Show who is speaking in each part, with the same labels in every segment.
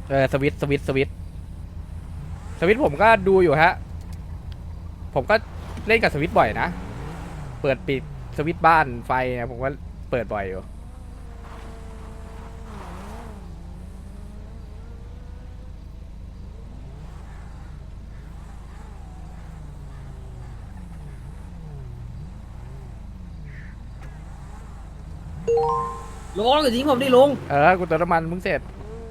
Speaker 1: สวิตผมก็ดูอยู่ฮะผมก็เล่นกับสวิตบ่อยนะเปิดปิดสวิตบ้านไฟเนี่ยผมก็เปิดบ่อยอยู่
Speaker 2: ลุงอย่าทิ้งผมดิลุง
Speaker 1: กูเติมน้ำมันมึงเสร็จ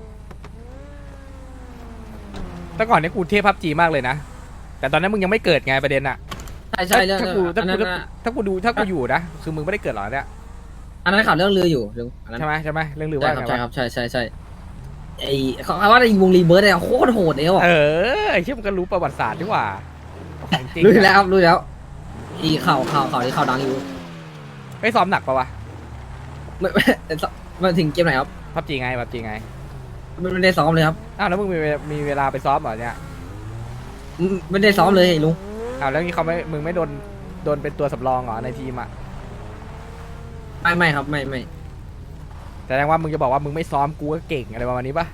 Speaker 1: แต่ก่อนนี้กูเทพพับจีมากเลยนะแต่ตอนนั้นมึงยังไม่เกิดไงประเด็นอะ
Speaker 2: ใช่เรื่อง
Speaker 1: ถ้า
Speaker 2: อันนั้น
Speaker 1: กูอยู่นะคือมึงไม่ได้เกิดหรอกเนี่ย
Speaker 2: อันนั้นข่าวเรื่องเรืออยู่ลุง
Speaker 1: ใช่ไหมเรื่องลือว่าไงวะ
Speaker 2: ใช่ครับใช่ไอ้เขาว่าในวงรีเบิร์ดเนี่ยโคตรโหดเลยว่ะ
Speaker 1: ไอ้เชี่ยมันก็รู้ประวัติศาสตร์ดีกว่าของจริง
Speaker 2: รู้แล้วครับรู้แล้วอีข่าวที่ข่าวดังอยู่
Speaker 1: ไม่ซ้อมหนักปะวะ
Speaker 2: มาถึงเกมไหนครับ
Speaker 1: พับจีไง
Speaker 2: ไม่ได้ซ้อมเลยครับ
Speaker 1: อ้าวแล้วมึงมีเวลาไปซ้อมเหรอเนี่ย
Speaker 2: ไม่ได้ซ้อมเลยลุง
Speaker 1: อ้าวแล้วนี่มึงไม่โดนเป็นตัวสำรองเหรอในทีมอ่ะ
Speaker 2: ไม่ครับไม่
Speaker 1: แต่แสดงว่ามึงจะบอกว่ามึงไม่ซ้อมกูก็เก่งอะไรประมาณนี้ปะ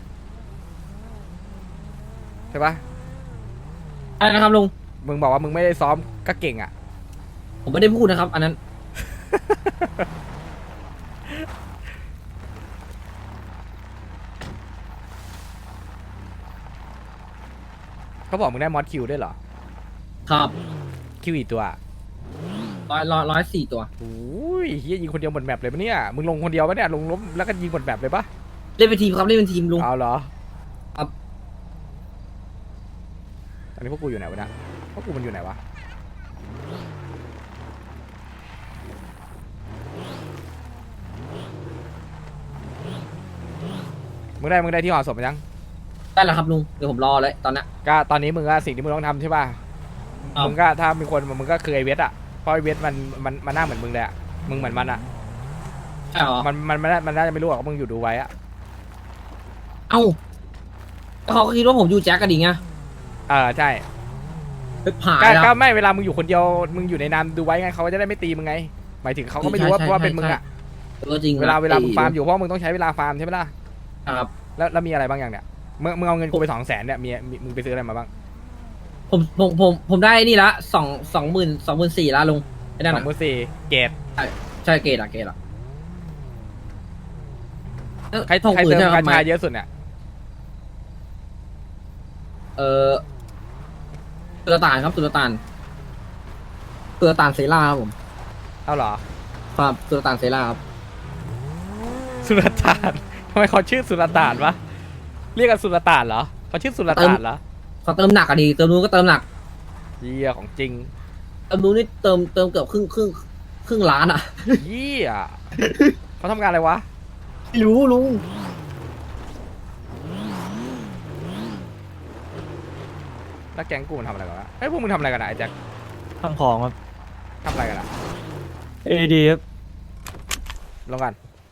Speaker 1: ใช่ปะ
Speaker 2: อะไรนะครับลุง
Speaker 1: มึงบอกว่ามึงไม่ได้ซ้อมก็เก่งอ่ะ
Speaker 2: ผมไม่ได้พูดนะครับอันนั้น
Speaker 1: เขาบอกมึงได้มอสคิวด้วยเหรอ
Speaker 2: ครับ
Speaker 1: คิวอีกตัว
Speaker 2: 104ตัว
Speaker 1: โอ้ยเฮียยิงคนเดียวหมดแมปเลยปะเนี่ยมึงลงคนเดียวปะเนี่ยลงล้มแล้วก็ยิงหมดแมปเลยปะ
Speaker 2: เล่นเป็นทีมครับเล่นเป็นทีมลุง
Speaker 1: เอาเหรอ
Speaker 2: ครับ
Speaker 1: ตอนนี้พวกกูอยู่ไหนวะเนี่ยพวกกูมันอยู่ไหนวะมึงได้ที่ห่อศพยัง
Speaker 2: ได้แล้วครับลุงเดี๋ยวผมรอเลยตอนนี้
Speaker 1: ก็ตอนนี้มึงก็สิ่งที่มึงต้องทำใช่ป่ะมึงก็ถ้ามีคนมึงก็คือไอเวทอ่ะเพราะไอเวทมันหน้าเหมือนมึงเลยอ่ะมึงเหมือนมันอ่ะ
Speaker 2: ใช่หรอ
Speaker 1: มันน่าจะไม่รู้หรอกว่ามึงอยู่ดูไว้อ่ะ
Speaker 2: เอ้าเขาคิดว่าผมอยู่แจ็คกันดิไง
Speaker 1: ใช่
Speaker 2: ผ่าน
Speaker 1: ก็ไม่เวลามึงอยู่คนเดียวมึงอยู่ในนามดูไว้ไงเขาจะได้ไม่ตีมึงไงหมายถึงเขาก็ไม่รู้ว่าเป็นมึงอ่ะ
Speaker 2: จริง
Speaker 1: เวลามึงฟาร์มอยู่เพราะมึงต้องใช้เวลาฟาร์มใช่ไหมล่ะ
Speaker 2: ครับ
Speaker 1: แล้วมีอะไรบ้างอย่างเนี้ยมึงเอาเงินกูไป200,000เนี่ยมึงไปซื้ออะไรมาบ้าง
Speaker 2: ผมได้นี่ละ24,000ละลุงไอ้นั่น
Speaker 1: 24,000เกรด
Speaker 2: ใช่เกรด
Speaker 1: ใครเติมกาชาเยอะสุดเนี่ย
Speaker 2: ตุลตานครับตุลตานเซราครับผม
Speaker 1: เอาเหรอ
Speaker 2: ครับตุลตานเซราครับ
Speaker 1: สุลต่านทำไมเขาชื่อสุลต่านวะเรียกกันสุลต่านเหรอเขาชื่อสุลต่านเหรอ
Speaker 2: เขาเติมหนักอะดีเติมนู้นก็เติมหนัก
Speaker 1: เยี่ยของจริง
Speaker 2: เติมนู้นนี่เติมเกือบครึ่งล้านอะ
Speaker 1: เยี่ยเขาทำงานอะไรวะ
Speaker 2: ไม่รู้ลุง
Speaker 1: แล้วแก๊งกูมันทำอะไรกันวะพวกมึงทำอะไรกันอะไอ้แจ็ค
Speaker 3: ทำของครับ
Speaker 1: ทำอะไรกันอะ
Speaker 3: ดีครับ
Speaker 1: ลงกัน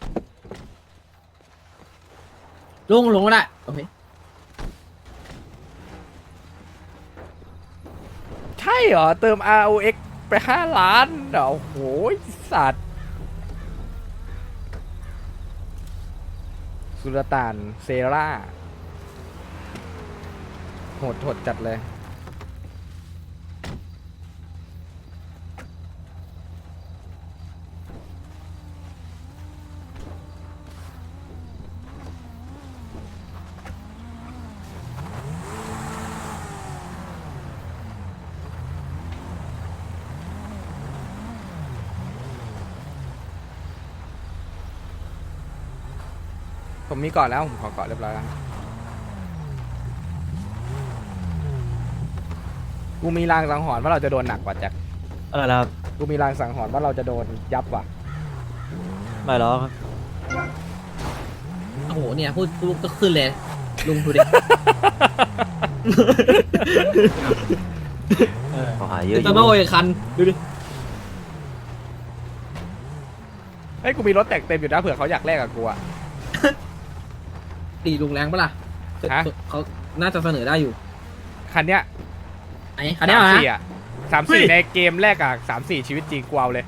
Speaker 2: ลงก็ได้โอเค
Speaker 1: ใช่เหรอเติม ROX ไป5 ล้านเดี๋ยวโหยสัตว์สุลต่านเซราโหดจัดเลยผมมีเกาะแล้วผมขอเกาะเรียบร้อยแล้วกูมีรางสังหรณ์ว่าเราจะโดนหนักกว่าแจ็ค
Speaker 3: ครับ
Speaker 1: กูมีรางสังหรณ์ว่าเราจะโดนยับว่ะ
Speaker 3: ไม่หรอก
Speaker 2: โอ้โหเนี่ยพูดก็ขึ้นเลยลุงดูดิ
Speaker 3: เขาหายเยอะ
Speaker 2: จะมาโวยคันดูดิ
Speaker 1: กูมีรถแต่งเต็มอยู่นะเผื่อเขาอยากแลกกับกูอะ
Speaker 2: ตีลุงแรงปะล่ะเขาน่าจะเสนอได้อยู่
Speaker 1: คันเนี้ย
Speaker 2: ไอ้คันเนี้ย
Speaker 1: อ่ะ34ในเกมแรกอ่ะ34ชีวิตจริงกูเอาเลย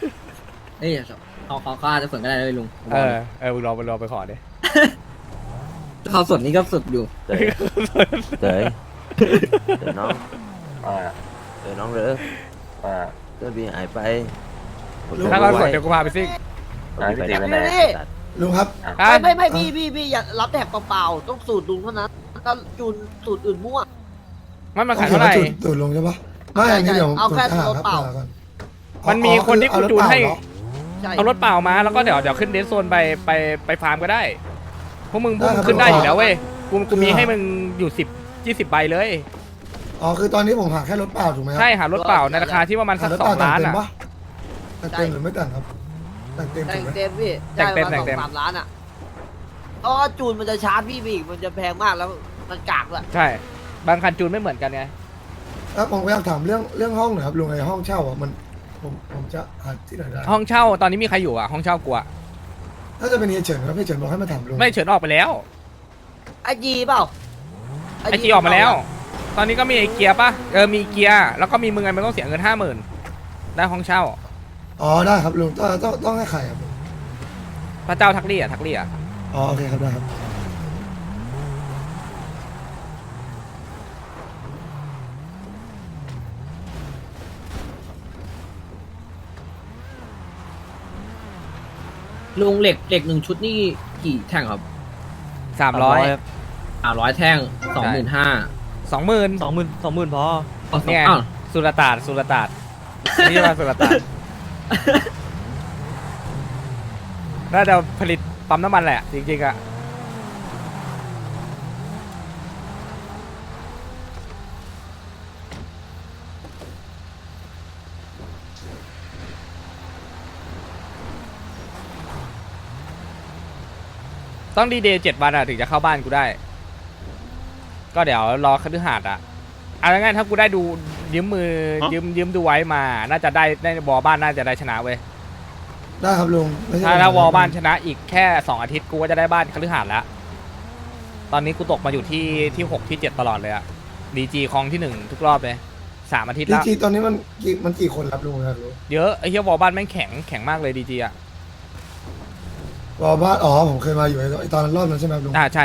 Speaker 2: เขาอาจจะเสนอก็ได้เลยลุง
Speaker 1: มึงรอไปขอดิ
Speaker 2: ข้าวสดนี่ก็สดอยู่
Speaker 3: เต๋ยเต๋ยเต๋ยน้องเต๋ยน้องเด้อเต๋ยบีหายไป
Speaker 1: ถ้าเราสดเดี๋ยวกูพาไปซิ่ง
Speaker 3: ไปไหนไปไหน
Speaker 4: ลุงครับ
Speaker 1: อ่ะ
Speaker 5: ไม่พี่อย่ารับแถบเปล่าๆต้องสูตรลุงเท่านั้นถ้าจูนสูตรอื่นมั่ว
Speaker 1: มันมาขายเท่าไหร่
Speaker 4: จุดลงใช่ปะไม่อันนี้เดี๋ยว
Speaker 5: เอาแค่
Speaker 4: ผม
Speaker 5: รถเปล่า
Speaker 4: ก่อน
Speaker 1: มันมีคนที่กูจูนให้
Speaker 5: ใช่
Speaker 1: เอารถเปล่ามาแล้วก็เดี๋ยวขึ้นเดสโซนไปฟาร์มก็ได้พวกมึงขึ้นได้อยู่แล้วเว้ยกูมีให้มึงอยู่10-20 ใบเลย
Speaker 4: อ๋อคือตอนนี้ผมหาแค่รถเปล่าถูกไหมครั
Speaker 1: ใช่หารถเปล่าในราคาที่ประมาณสัก
Speaker 4: หารถเปล่า
Speaker 1: 2 ล้าน
Speaker 4: แต่ง
Speaker 1: อ่ะ
Speaker 4: เต็มปะแต่งเต็มหรือไม่แต่งครับแต่งเต็ม
Speaker 5: แต่
Speaker 4: ถูก
Speaker 5: ง
Speaker 4: ไหม
Speaker 5: เต็มพี่
Speaker 1: แต่งเต็ม
Speaker 5: ได้า 2-3 ล้านอ่ะเพราะว่าจูนมันจะชาร์จพี่อีกมันจะแพงมากแล้วมันกากด้วย
Speaker 1: ใช่ บางคันจูนไม่เหมือนกันไง
Speaker 4: แล้วผมอยากถามเรื่องห้องหน่อยครับลุงไอ้ห้องเช่าอ่ะมันผมจะหาที่ไหนได้
Speaker 1: ห้องเช่าตอนนี้มีใครอยู่อ่ะห้องเช่ากูอ่ะ
Speaker 4: ถ้าจะเป็นเฮียเฉินครับเฮียเฉินบอกให้มาถามลุง
Speaker 1: ไม่เฉินออกไปแล้ว
Speaker 5: ไอจีเปล่า
Speaker 1: ไอจีออกมาแล้ว ตอนนี้ก็มีไอเกียร์ป่ะมีเกียร์แล้วก็มีมึงไงมันต้องเสียเงิน50,000ได้ห้องเช่า
Speaker 4: อ๋อได้ครับลุงต้องให้ใครครับลุง
Speaker 1: พระเจ้าทักลี่อ่ะ
Speaker 4: อ๋อโอเคครับได้ครับ
Speaker 2: ลุงเหล็กหนึ่งชุดนี่กี่แท่งครับ
Speaker 1: 300
Speaker 3: ครับ
Speaker 2: 300 แท่ง 25,000
Speaker 1: 20,000
Speaker 3: 20,000พอ
Speaker 1: เนี่ย
Speaker 2: อ้าว
Speaker 1: สุรตาดนี่มาสุรตาดน่าจะผลิตปั๊มน้ำมันแหละ จริงๆอะต้องดีเดย์7 วันอะถึงจะเข้าบ้านกูได้ ก็เดี๋ยวรอคฤหาสน์อะเอาง่ายๆถ้ากูได้ดูยืมมือยืมดูไว้มา น่าจะได้วอลบ้านน่าจะได้ชนะเว้ย
Speaker 4: ได้ครับลุงไม่ใช่
Speaker 1: ถ้าวอลบ้านชนะอีกแค่2 อาทิตย์กูก็จะได้บ้านคฤหาสน์แล้ว ตอนนี้กูตกมาอยู่ที่6 ที่ 7ตลอดเลยอะดีจีคลองที่1ทุกรอบเลย3 อาทิตย์
Speaker 4: ดี
Speaker 1: แล้ว
Speaker 4: จีตอนนี้มันกี่คนครับลุงครับลุง
Speaker 1: เยอะไอ้เหี้ยวอลบ้านแม่งแข็งมากเลยดีจีอะ
Speaker 4: รอบ้านอ๋อผมเคยมาอยู่ไอ้ตอนรอบนั้นใช่ไหมครับลุง
Speaker 1: ใช่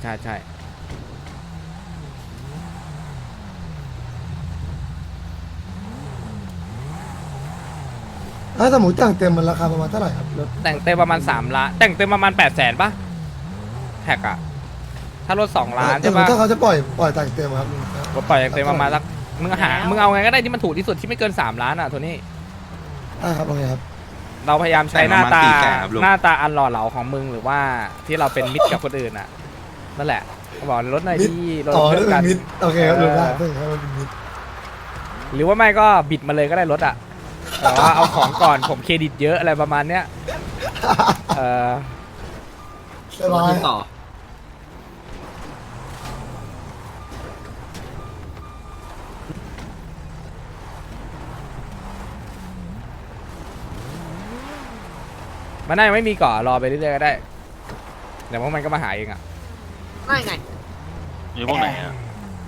Speaker 4: ถ้าสมมติแต่งเต็มมันราคาประมาณเท่าไหร่ครับรถ
Speaker 1: แต่งเต็มประมาณ3 ล้านแต่งเต็มประมาณ800,000ป่ะแท็กอะถ้ารถ2 ล้าน
Speaker 4: แต่
Speaker 1: ใช่ป่ะ
Speaker 4: ถ้าเขาจะปล่อยแต่งเต็มครับลุง
Speaker 1: ก็ปล่อยเต็มประมาณสักมึงเอาไงก็ได้ที่มันถูกที่สุดที่ไม่เกิน3 ล้านอะโทนี่
Speaker 4: ได้ครับโอเคครับ
Speaker 1: เราพยายามใช้หน้าตา
Speaker 6: แต่งประมาณ4 แสนครับลุง
Speaker 1: หน้าตาอันหล่อเหลาของมึงหรือว่าที่เราเป็นมิตรกับคนอื่นอะนั่นแหละก็บอกรถหน่อยที่รถ
Speaker 4: อ๋อ
Speaker 1: เพื่
Speaker 4: เรื่
Speaker 1: อ
Speaker 4: อน ง
Speaker 1: กัน
Speaker 4: มิดโอเคครับลุงได้เพื่อนครับมันเป็นมิด
Speaker 1: หรือว่าไม่ก็บิดมาเลยก็ได้รถอะแต่ว่าเอาของก่อนผมเครดิตเยอะอะไรประมาณเนี้ยเออ
Speaker 4: สบาย
Speaker 2: ต่อ
Speaker 1: มันน่าจะไม่มีก่อรอไปเรื่อยๆก็ได้เดี๋ยวพวกมันก็มาหาเองอะ
Speaker 5: ไม่ไง
Speaker 6: อยู่พวกไหนอ่ะ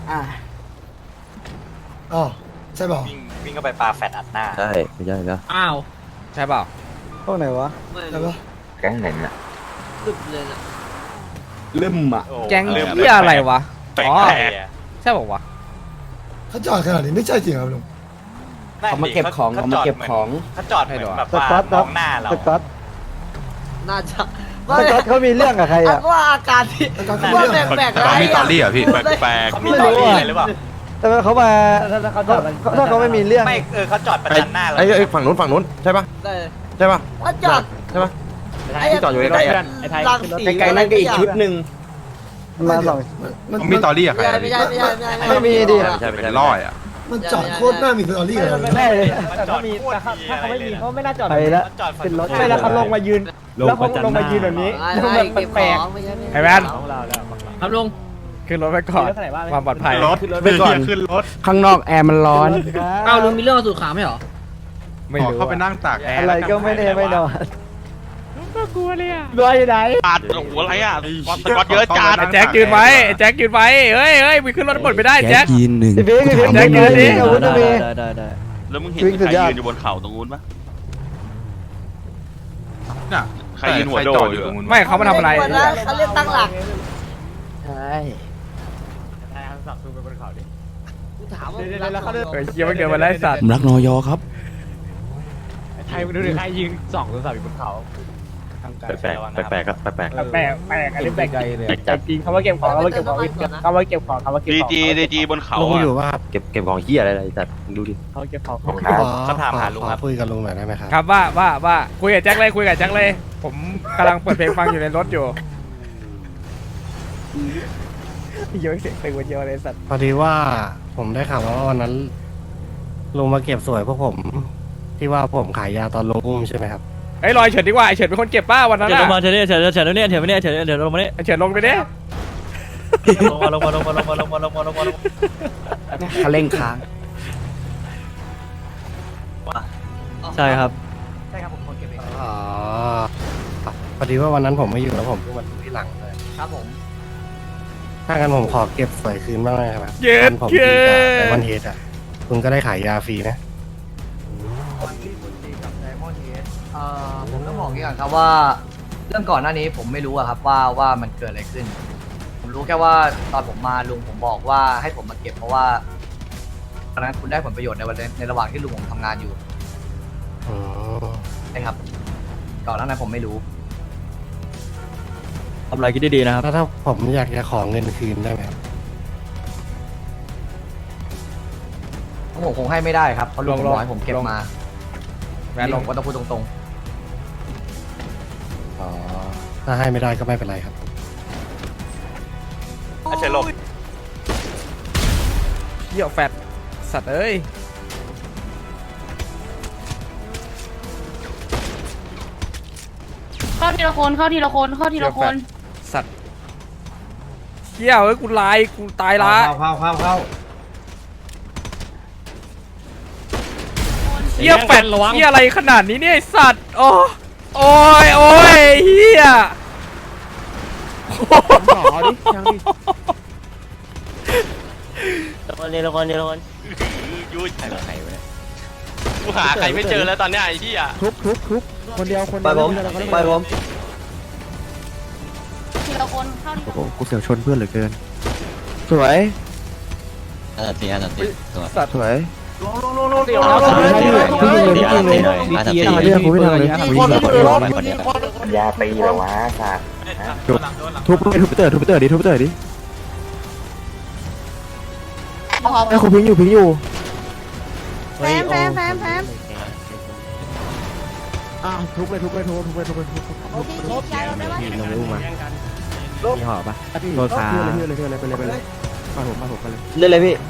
Speaker 4: อ๋อใช่เปล่า
Speaker 7: วิ่งก็ไปปลาแฟดอัดหน้า
Speaker 3: ใช่ไม่ใช่แล้ว
Speaker 2: อ้าว
Speaker 1: ใช่เปล่า
Speaker 3: พวกไหนวะ
Speaker 5: ไม่
Speaker 4: ใช่ปะ
Speaker 3: แก๊งไหนน่ะ
Speaker 5: ตึบเลยนะ
Speaker 7: ลืมอ่ะ
Speaker 1: แก๊งเหี้ยอะไรวะ
Speaker 6: แปลก
Speaker 1: อ๋อ
Speaker 6: แปลก
Speaker 1: ใช่บอกวะ
Speaker 4: เขาจอดขนาดนี้ไม่ใช่จริงครับลุง
Speaker 7: เขามาเก็บของเขามาเก็บของเขาจอดเหมือนแบบว่ามองหน้าเรา
Speaker 5: น่าจะ
Speaker 3: สก๊อตเขามีเรื่องกับใครอ่ะ
Speaker 5: ว่าอาการที่
Speaker 4: แล้วก็
Speaker 5: ว่า
Speaker 4: เรื่อง
Speaker 5: แปลกๆ
Speaker 6: แต่ต้องมีตอรี่เหรอพี่แปลก
Speaker 7: เขามีตอรี่อะไรหรือเปล่า
Speaker 3: แต่ว่าเขามาถ้าเขาไม่มีเรื่อง
Speaker 7: ไม่เขาจอดประจันหน้าเรา
Speaker 8: ไอ้ฝั่งนู้นใช่ปะ
Speaker 5: ได้
Speaker 8: ใช่ปะ
Speaker 5: ว่าจอด
Speaker 8: ใช่ปะ
Speaker 5: ไอ้
Speaker 8: ที่จอดอยู่ใกล้ๆอะ
Speaker 5: รังสี
Speaker 7: ไกลๆนั่นก็อีกชุดหนึ่ง
Speaker 3: มาสอง
Speaker 8: มีตอรี่อะใคร
Speaker 5: ไม่ใช่ไม่ใช่ไม่ใช่
Speaker 3: ไม่มีดิ
Speaker 8: ใช่เป็นร้อยอะ
Speaker 4: มันจอดโคตรน่ามีสตอรี่เลย
Speaker 3: แน่เลย
Speaker 7: แต่ถ้ามีถ้าเขาไม่มีเขาไม่น่าจอด
Speaker 3: ไปแล้ว
Speaker 7: จอด
Speaker 3: เป็นรถ
Speaker 7: ไม่แล้วเขาลงมายืน
Speaker 3: แล้วเขาลงมายืนแบบนี้
Speaker 5: ไม่เก็บของไม่ใช่
Speaker 1: ไอ้แมน
Speaker 2: ครับลุง
Speaker 1: ขึ้นรถไปก่อนความปลอดภัย
Speaker 6: รถไปก่อนขึ้นรถ
Speaker 7: ข้างนอกแอร์มันร้อน
Speaker 2: อ้าวลุงมีเรื่องกับสูตรขาวไหมเหรอ
Speaker 1: ไม่รู้
Speaker 6: เข้าไปนั่งตากแอร์
Speaker 3: อะไรก็ไม่แน่ไม่นอน
Speaker 7: รวยอยู่ไหน
Speaker 6: ปาดโอ้โหอะไรอ่ะสกอตเยอะจัด
Speaker 1: ไอ้แจ็คยืนไว้ไอ้แจ็คยืนไว้เฮ้ยมึงขึ้นรถบดไม่ได้แจ็ค
Speaker 3: พี่เบ๊ก
Speaker 1: แจ็คยืนดิ
Speaker 3: อาวุธนะเบ๊
Speaker 8: ได้
Speaker 6: แล้วมึงเห็น
Speaker 3: วิ่งสุ
Speaker 6: ใค
Speaker 3: ด
Speaker 6: ร
Speaker 3: ยอด
Speaker 6: ยืนอยู่บนเขาตรงนู้นปะ
Speaker 8: น่ะ
Speaker 6: ใครยืนหัวโดดอยู่ตรงนู้น
Speaker 1: ไม่เขามาทำอะไร
Speaker 5: เขาเรียกตั้งหลักกูถามว่า
Speaker 1: เฮ้ยเชี่ยมันเกินมาแล้วไอ้สัตว์
Speaker 9: รักนอยอครับ
Speaker 7: ไทยดูดิใครยิง2 โทรศัพท์อยู่บนเขา
Speaker 8: แปลกๆแปลกๆครับแปลก
Speaker 2: แปลกอันนี้แปลกแต่จริงคำว่าเก็บของคำว่าเก็บของคำว่าเก็บของคำว่าเก็บ
Speaker 6: ดี
Speaker 2: ของ
Speaker 6: จีดีจีบนเขา
Speaker 10: ลุง
Speaker 6: อะ
Speaker 10: อยู่ว่า
Speaker 8: ๆเก็บของเหี้ยอะไรแต่ดูดิ
Speaker 2: เขาเก็บของ
Speaker 7: คำถามหาลุงครับ
Speaker 10: คุยกับลุงหน่อยได้ไหมครับ
Speaker 1: ครับว่าคุยกับแจ็คเลยคุยกับแจ็คเลย ผมกำลังเปิดเพลงฟังอยู่ในรถอยู่เยอะเสียงตึงกว่าเยอะเลยสัตว์
Speaker 10: พอดีว่าผมได้ข่าวว่าวันนั้นลุงมาเก็บสวยพวกผม ที่ว่าผมขายยาตอนลุงอุ้มใช่ไหมครับ
Speaker 1: เฮ้ยลอยเฉินดีกว่าไอ้เฉินเป็นคนเก็บป้าวันนั้น
Speaker 7: เฉินลงมา
Speaker 1: อะ
Speaker 7: เฉินเนี่ยเฉินเฉินเนี่ยเฉินเนี่ยเฉินเฉินลงมาเนี่ย
Speaker 1: ไอ้เฉินลงไปดิ
Speaker 7: ลงมา
Speaker 3: เขาเร่งค้าง
Speaker 7: ใช่ครับ
Speaker 10: อ๋อพอดีว่าวันนั้นผมไม่อยู่แล้วผมเพิ่งมาดูที่หลังเลย
Speaker 5: ครับผม
Speaker 10: ถ้างั้นผมขอเก็บสวยคืนบ้างเลยครับ
Speaker 1: เย็
Speaker 10: วั
Speaker 1: ด
Speaker 10: ผม
Speaker 1: เย็
Speaker 10: ดีกับไดมอน
Speaker 1: ด
Speaker 10: เฮดอ่ะคุณก็ได้ขายยาฟรีนะ
Speaker 11: ผมต้องบอกอย่างนี้ก่อนครับว่าเรื่องก่อนหน้านี้ผมไม่รู้อะครับว่ามันเกิดอะไรขึ้น ผมรู้แค่ว่าตอนผมมาลุงผมบอกว่าให้ผมมาเก็บเพราะว่าตอนนั้นคุณได้ผลประโยชน์ในระหว่างที่ลุงผมทำงานอยู่
Speaker 10: อ๋อ
Speaker 11: ใช่ครับ ก่อนหน้านั้นผมไม่รู้
Speaker 7: ทำอะไรคิดดีๆนะครับ
Speaker 10: แล้วถ้าผมอยากจะขอเงินคืนได้ไหมครับ
Speaker 11: ผมคงให้ไม่ได้ครับเพราะลุงผมบอกให้ผมเก็บมา
Speaker 1: แวนล
Speaker 11: ผ
Speaker 1: ง
Speaker 11: มก็ต้องพูดตรง
Speaker 10: อ๋อถ้าให้ไม่ได้ก็ไม่เป็นไรครับ
Speaker 6: เฉินลง
Speaker 1: เหี้ยแฟดสัตว์เอ้ย
Speaker 12: เข้าทีละคนเข้าทีละคนเข้าทีละคน
Speaker 1: สัตว์เหี้ยเอ้ยกูลายกูตายละ
Speaker 2: เข้า
Speaker 1: เหี้ยแฟดเหี้ยอะไรขนาดนี้เนี่ยไอ้สัตว์โอ้ยเหี้ย
Speaker 7: ละคน
Speaker 6: ยูใครกูหาใครไม่เจอแล้วตอนเนี้ยไอ้ที่อ่ะ
Speaker 2: คนเดียว
Speaker 3: ไปผมไปผม
Speaker 12: ทีละคนเข้าทีละคน
Speaker 3: กูเสียวชนเพื่อนเหลือเกิน สวย
Speaker 1: สัตว์
Speaker 3: สวย
Speaker 2: พี่ยิงเลยเรื่องผมไม่ทำเลย
Speaker 3: ยาตีเหรอวะสัตว์ทุบเตอร์ดิ
Speaker 12: พอ
Speaker 3: ไอ้คุณพิงอยู่
Speaker 12: แฟม
Speaker 3: ทุบเลย
Speaker 12: โอเคย้ายเราได้ปะ
Speaker 3: ลงไปอุ้มมามีห่อปะโดนขาไปเลยมาผมไปเลยเล่นเลยพี่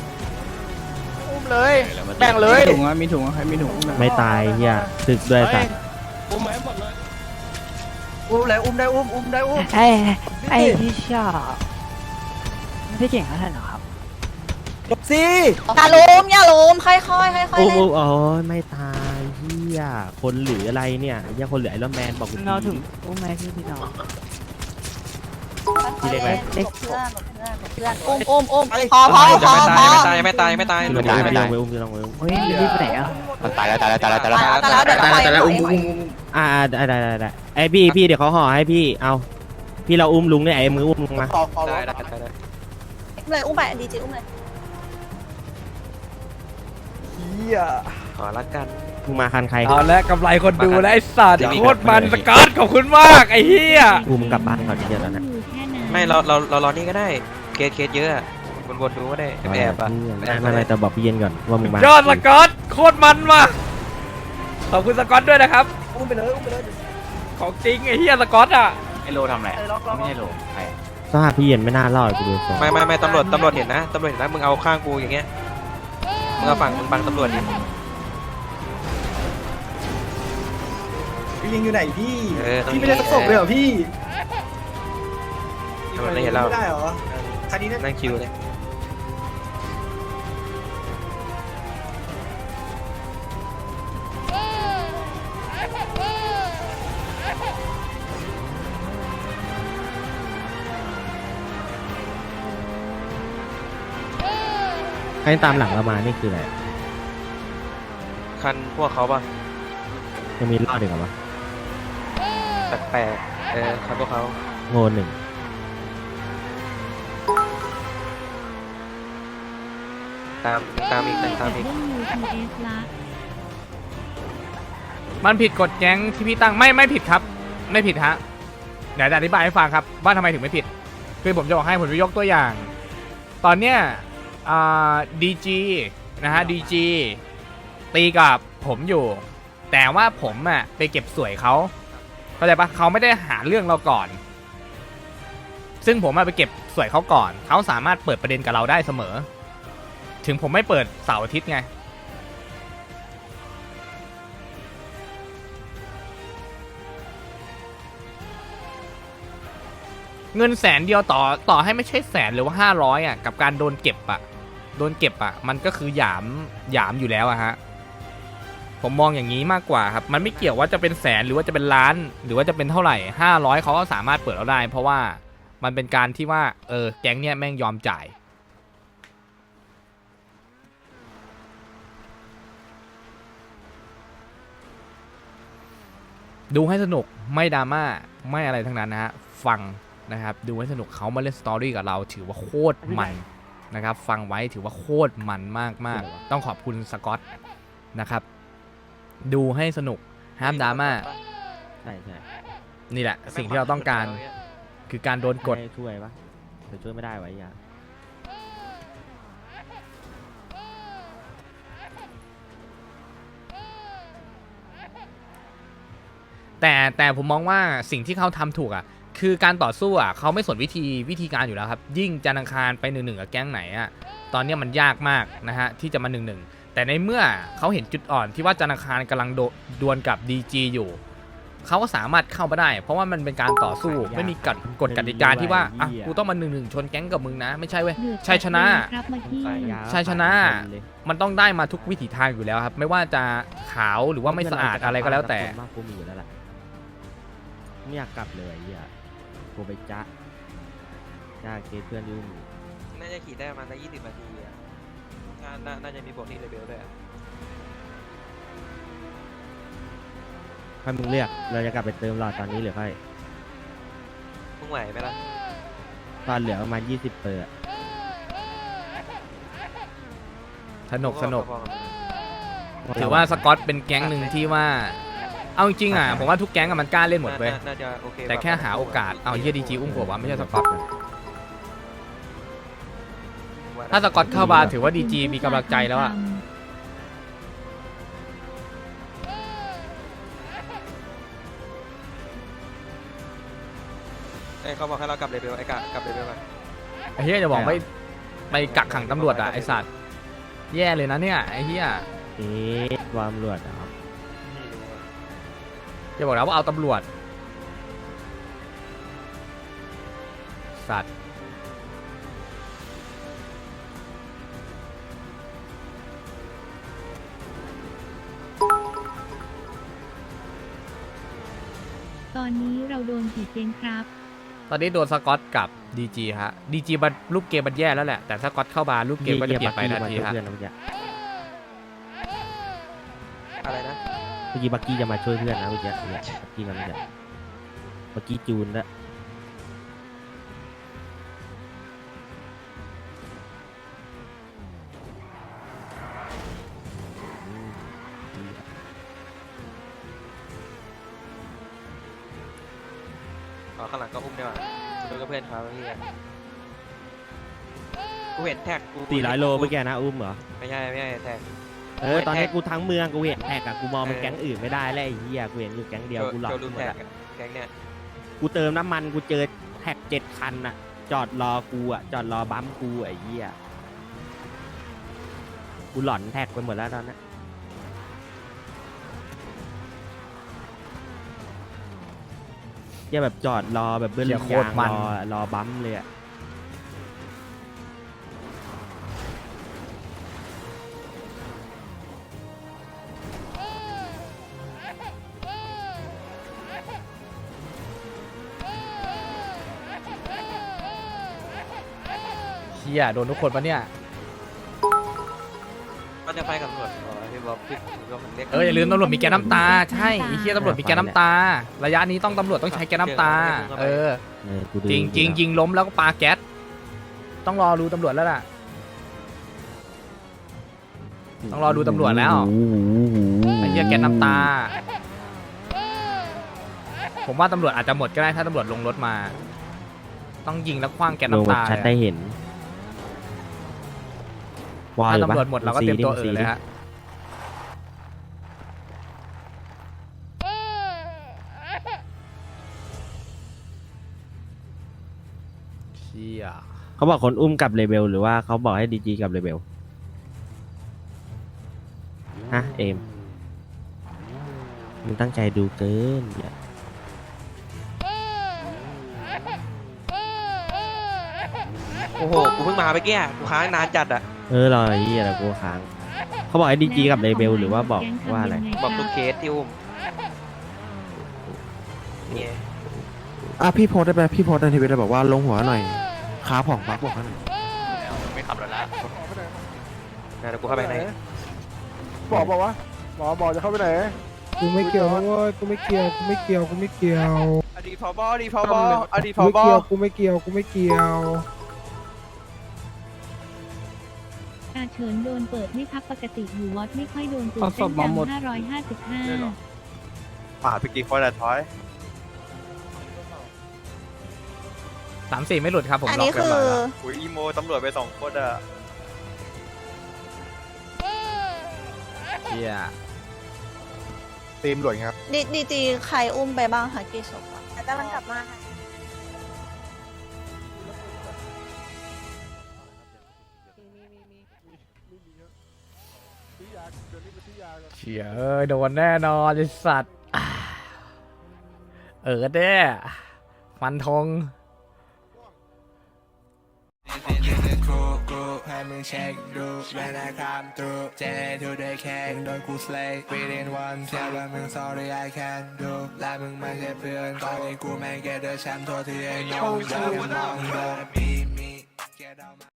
Speaker 1: แบ่งเลย
Speaker 2: ถุงมีถุงใครมีถุง
Speaker 3: ไม่ตายเฮียตึกด้วยสัตว์
Speaker 11: ๆอุ้มได้อุ้ม
Speaker 12: ไอ้ที่ชอบไม่ได้เก่งขนาดนั้นหรอครับ
Speaker 3: จบสิ
Speaker 12: อย่าล้มค่อยๆเล่น
Speaker 3: โอ้ไม่ตายเฮียคนหรืออะไรเนี่ยเฮียคนหรือไอรอนแมนบอก
Speaker 12: เราถึงอุ้มไหมพี่น้อง
Speaker 3: พี่เล็กไหม
Speaker 12: เด็กเพื่อนอุ้มพอ
Speaker 6: ไม่ตาย
Speaker 3: ไม่อุ้ม
Speaker 12: เฮ้ยรีบไปไหนอ่ะ
Speaker 6: ตายแล้ว
Speaker 12: แต่แล้วเดี๋ยวเราอุ้ม
Speaker 3: ได้ไอพี่เดี๋ยวเขาห่อให้พี่เอาพี่เราอุ้มลุงเนี่ยไอมืออุ้มลุงมา
Speaker 12: เลยอุ้มไปดีจีอุ้มเลย
Speaker 3: ขอละกันมึงมาคันใคร
Speaker 1: เอาละกำไรคนดูแล้วไอ้สัตว์โคตรมันสกัดขอบคุณมากไอ้เหี้ย
Speaker 3: กูมึงกลับบ้านก่อนเดี๋ยวนั้น
Speaker 6: ไม่เรารอนี่ก็ได้เคสเยอะวนดูก็ได้แอบอ่ะ
Speaker 3: ไม่แต่บอกพี่เย็นก่อนว่ามึงมาย
Speaker 1: อดสกัดโคตรมันว่ะขอบคุณสกัดด้วยนะครับ
Speaker 11: อุ้มไปเลย
Speaker 1: ของจริงไอ้เหี้ยสกัดอ่ะ
Speaker 7: ไอโลทำอะไรไม่ใช่โลใคร
Speaker 3: สภาพพี่เย็นไม่น่ารอดกูดูทรง
Speaker 6: ไม่ตำรวจเห็นนะมึงเอาข้างกูอย่างเงี้ยมึงเอาฝั่งมึงบังตำรวจดิ
Speaker 2: พี่ยิงอยู่ไหนพี่
Speaker 6: พี่ไม่ได้ศพเลยเหรอพี่ไม่เห็นเรา
Speaker 2: ได้เหรอคันนี้
Speaker 6: นั่งคิวเลย
Speaker 3: ใครตามหลังเรามานี่คืออะไร
Speaker 6: คันพวกเขาป่ะ
Speaker 3: ยังมีรอดอีกเหรอวะ
Speaker 6: แปลกคันพวกเขา
Speaker 3: โง่หนึ่ง
Speaker 6: ตามอีกตามอีก
Speaker 1: มันผิดกฎแก๊งที่พี่ตั้งไม่ผิดครับ ไม่ผิดฮะเดี๋ยวจะอธิบายให้ฟังครับว่าทำไมถึงไม่ผิดคือผมจะบอกให้ผมจะยกตัวอย่าง ตอนเนี้ยดีจีนะฮะดีจีตีกับผมอยู่ แต่ว่าผมอะไปเก็บสวยเขาเข้าใจปะเขาไม่ได้หาเรื่องเราก่อน ซึ่งผมไปเก็บสวยเขาก่อนเขาสามารถเปิดประเด็นกับเราได้เสมอ ถึงผมไม่เปิดเสาร์อาทิตย์ไงเงิน100,000เดียวต่อให้ไม่ใช่100,000หรือว่า500อ่ะกับการโดนเก็บอ่ะมันก็คือหยามอยู่แล้วอะฮะผมมองอย่างนี้มากกว่าครับมันไม่เกี่ยวว่าจะเป็น100,000หรือว่าจะเป็นล้านหรือว่าจะเป็นเท่าไหร่500เขาก็สามารถเปิดเราได้เพราะว่ามันเป็นการที่ว่าแก๊งเนี้ยแม่งยอมจ่ายดูให้สนุกไม่ดราม่าไม่อะไรทั้งนั้นนะฮะฟังนะครับดูให้สนุกเขามาเล่นสตอรี่กับเราถือว่าโคตรมันนะครับฟังไว้ถือว่าโคตรมันมากๆต้องขอบคุณสกอตนะครับดูให้สนุกห้ามดราม่า
Speaker 3: ใช่ใช่
Speaker 1: นี่แหละสิ่งที่เราต้องการคือการโดนกด
Speaker 3: ช่วยปะแต่ช่วยไม่ได้ไว้ยา
Speaker 1: แต่ผมมองว่าสิ่งที่เขาทำถูกอ่ะคือการต่อสู้อ่ะเขาไม่สนวิธีการอยู่แล้วครับยิ่งจันทร์อังคารไป1-1กับแก๊งไหนอ่ะตอนนี้มันยากมากนะฮะที่จะมา1-1แต่ในเมื่อเขาเห็นจุดอ่อนที่ว่าจันทร์อังคารกำลังดวลกับ DG อยู่เขาก็สามารถเข้ามาได้เพราะว่ามันเป็นการต่อสู้ไม่มีกฎกติกาที่ว่าอ่ะกูต้องมา1-1ชนแก๊งกับมึงนะไม่ใช่เว้ยชัยชนะมันต้องได้มาทุกวิถีทางอยู่แล้วครับไม่ว่าจะขาวหรือว่าไม่สะอาดอะไรก็แล้วแต่
Speaker 3: กูมีอยู่แล้วแหละไม่อยากกลับเลยเฮียกูไปจ้าเกตเพื่อนยุ่ง
Speaker 6: น่าจะขี่ได้ประมาณได้20 นาทีอ่ะน่าจะมีบวกที่เลเวลด้วย
Speaker 3: ให้มึงเลือกเราจะกลับไปเติมหลอดตอนนี้หรือค่อย
Speaker 6: มึงไหวไหมล่ะ
Speaker 3: ตอนเหลือประมาณ20 เปอร์
Speaker 1: สนุกถือว่าสกอตเป็นแก๊งหนึ่งที่ว่าเอาจริงๆอ่ะผมว่าทุกแก๊งมันกล้าเล่นหมดเว้ย
Speaker 6: น่าจะโอเค
Speaker 1: แต่แค่หาโอกาสเอาเฮียดีจีอุ้มกว่าไม่ใช่สกอตถ้าสกอตเข้ามาถือว่าดีจีมีกำลังใจแล้วอ่ะ
Speaker 6: เขาบอกให้เรากลับเลเวลกลับเลเวลมา
Speaker 1: ไอ้เฮียจะบอกไปกักขังตำรวจอ่ะไอสัตว์แย่เลยนะเนี่ยไอ้เฮีย
Speaker 3: ความรวดครับ
Speaker 1: จะบอกแล้วว่าเอาตำรวจสัตว์
Speaker 12: ตอนนี้เราโดนกี่เกมครับ
Speaker 1: ตอนนี้โดนสกอตกับดีจีฮะดีจีรูปเกมมันแย่แล้วแหละแต่สกอตเข้ามารูปเกมก็จะเปลี่ยนไปทันทีฮะ
Speaker 6: อะไรนะ
Speaker 3: เมื่อกี้บักกี้จะมาช่วยเพื่อนนะเมื่อกี้บักกี้มาเมื่อกี้จูนแล้ว
Speaker 6: ข้างหลังก็อุ้มได้ว่ะดูกับเพื่อนเขาที่กูเห็นแท็กกู
Speaker 3: 400 โลเมื่อกี้นะอุ้มเหรอ
Speaker 6: ไม่ใช่แท็ก
Speaker 3: ตอนนี้กูทั้งเมืองกูเห็นแท็กอะกูมองเป็นแก๊งอื่นไม่ได้แล้วไอ้เหี้ยกูเห็นอยู่แก๊งเดียวกูหลอกหมดอะ
Speaker 6: แก๊งเนี่ย
Speaker 3: กูเติมน้ำมันกูเจอแท็ก7 คันอะจอดรอกูอะจอดรอบัมกูไอ้เหี้ยกูหลอนแท็กไปหมดแล้วตอนนี้เหี้ยแบบจอดรอแบบเบิ้ลยางรอบัมเลยอะ
Speaker 1: เฮียโดนทุกคนปะเนี่ย
Speaker 6: ก็จะไปกับตำรวจพี่บอกเรียก
Speaker 1: อย่าลืมตำรวจมีแกน้ำตาใช่ไอ้เฮียตำรวจมีแกน้ำตาระยะนี้ต้องตำรวจต้องใช้แกน้ำตาจริงยิงล้มแล้วก็ปาแก๊สต้องรอรู้ตำรวจแล้วล่ะต้องรอดูตำรวจแล้วไอ้เหี้ยแก๊สน้ำตา ผมว่าตำรวจอาจจะหมดก็ได้ถ้าตำรวจลงรถมา ต้องยิงแล้วคว้างแก๊สน้ำตา
Speaker 3: ชัดได้เห็น
Speaker 1: ถ้าตำรวจหมดเราก็เตรียมตัวเลยฮะเชี่ย
Speaker 3: เขาบอกคนอุ้มกับเลเบลหรือว่าเขาบอกให้ดีจีกับเลเบลฮะเอมมึงตั้งใจดูเกินอย่า
Speaker 6: โอ้โหกูเพิ่งมาไปแก้กูค้างนานจัดอะ
Speaker 3: รอไอ้เหี้ยอะไรกูค้างเขาบอกให้ดีจีกับเลเบลหรือว่าบอกว่าอะไร
Speaker 6: บอกทุกเคสที่อุ้มเนี่ย
Speaker 8: พี่โพสได้ไหมพี่โพสในทวิตบอกว่าลงหัวหน่อยขาผ่องปักบอกให้หน่อย
Speaker 7: ไม่ขับรถแล้ว
Speaker 6: เดี๋ยวกูเข้าไปใน
Speaker 10: บอกว่าบอกจะเข้าไปไหนกูไม่เกี่ยวนะเว้ยกูไม่เกี่ยวอดีตผบกูไม่เกี่ยว
Speaker 12: อาเฉินโดนเปิดไม่ครับปกติอยู่วัดไม่ค่อยโดนตื่นเต้นจัง555
Speaker 10: ป่าพี่กิ๊กคนละท้อย
Speaker 1: 3-4ไม่หลุดครับผม
Speaker 12: อัน
Speaker 1: ล็อ
Speaker 12: นี้
Speaker 1: กเรียบร้อยแล้ว
Speaker 10: อุ้ยอีโมตำรวจไป2 คนอ่ะ
Speaker 1: เชี่ย
Speaker 10: ตีมหลวงครับ
Speaker 12: ดีจีใครอุ้มไปบ้างคะกี่ศพกำลังกลับมาค่ะ
Speaker 1: เชี่ยโดนแน่นอนไอ้สัตว์เด้ฟันธง
Speaker 10: ให้มึงเช็คดูเวลาคำตูเจทูได้แค่โดนกูสเลย์ within one เชื่อว่ามึง sorry I can do และมึงไม่ใช่เพื่อนตอนนี้กูแม่งแกเดอร์แชมป์โทษที่ไอ้น้องจะมองโดนมี